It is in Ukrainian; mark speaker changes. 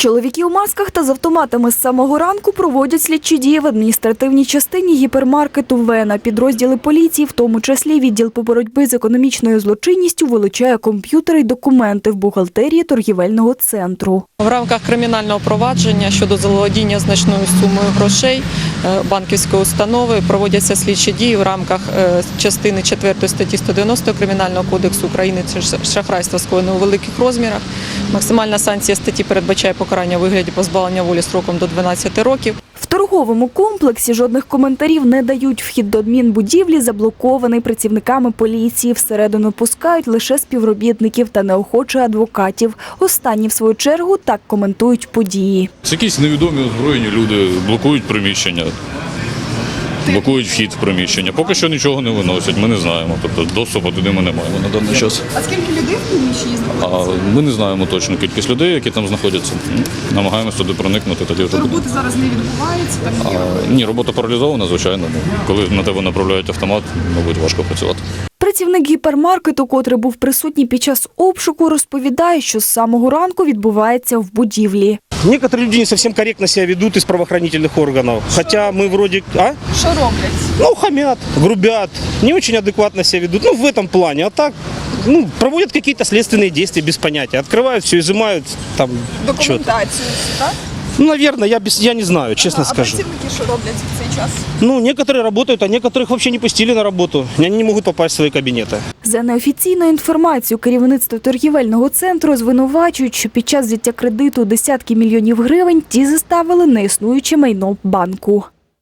Speaker 1: Чоловіки у масках та з автоматами з самого ранку проводять слідчі дії в адміністративній частині гіпермаркету «Вена». Підрозділи поліції, в тому числі відділ по боротьбі з економічною злочинністю, вилучає комп'ютери й документи в бухгалтерії торгівельного центру.
Speaker 2: В рамках кримінального провадження щодо заволодіння значною сумою грошей банківської установи проводяться слідчі дії в рамках частини 4 статті 190 Кримінального кодексу України – це шахрайство скоєне у великих розмірах. Максимальна санкція статті передбачає покарання у вигляді позбавлення волі строком до 12 років.
Speaker 1: В торговому комплексі жодних коментарів не дають. Вхід до адмінбудівлі заблокований працівниками поліції. Всередину пускають лише співробітників та неохоче адвокатів. Останні, в свою чергу, так коментують події.
Speaker 3: Це якісь невідомі озброєні люди блокують приміщення, блокують вхід в приміщення. Поки що нічого не виносять, ми не знаємо. Тобто доступу туди ми не маємо на даний час.
Speaker 4: А скільки людей в приміщенні знаходиться?
Speaker 3: Ми не знаємо точну кількість людей, які там знаходяться. Намагаємося туди проникнути. Тоді вже
Speaker 4: Роботи зараз не відбувається? Так є?
Speaker 3: Ні, робота паралізована, звичайно. Коли на тебе направляють автомат, мабуть, важко працювати.
Speaker 1: Працівник гіпермаркету, котрий був присутній під час обшуку, розповідає, що з самого ранку відбувається в будівлі.
Speaker 5: Некоторые люди не совсем корректно себя ведут из правоохранительных органов. Хотя мы вроде...
Speaker 4: Що роблять?
Speaker 5: Хамят, грубят, не очень адекватно себя ведут. В этом плане. А так, проводят какие-то следственные действия без понятия. Открывают все, изымают там что-то.
Speaker 4: Документацію, так?
Speaker 5: Наверное, я не знаю, честно
Speaker 4: А
Speaker 5: скажу.
Speaker 4: працівники що роблять в цей час?
Speaker 5: Некоторые работают, а некоторых вообще не пустили на работу. Они не могут попасть в свои кабинеты.
Speaker 1: За неофіційною інформацією, керівництво торгівельного центру звинувачують, що під час взяття кредиту десятки мільйонів гривень ті заставили неіснуюче майно банку.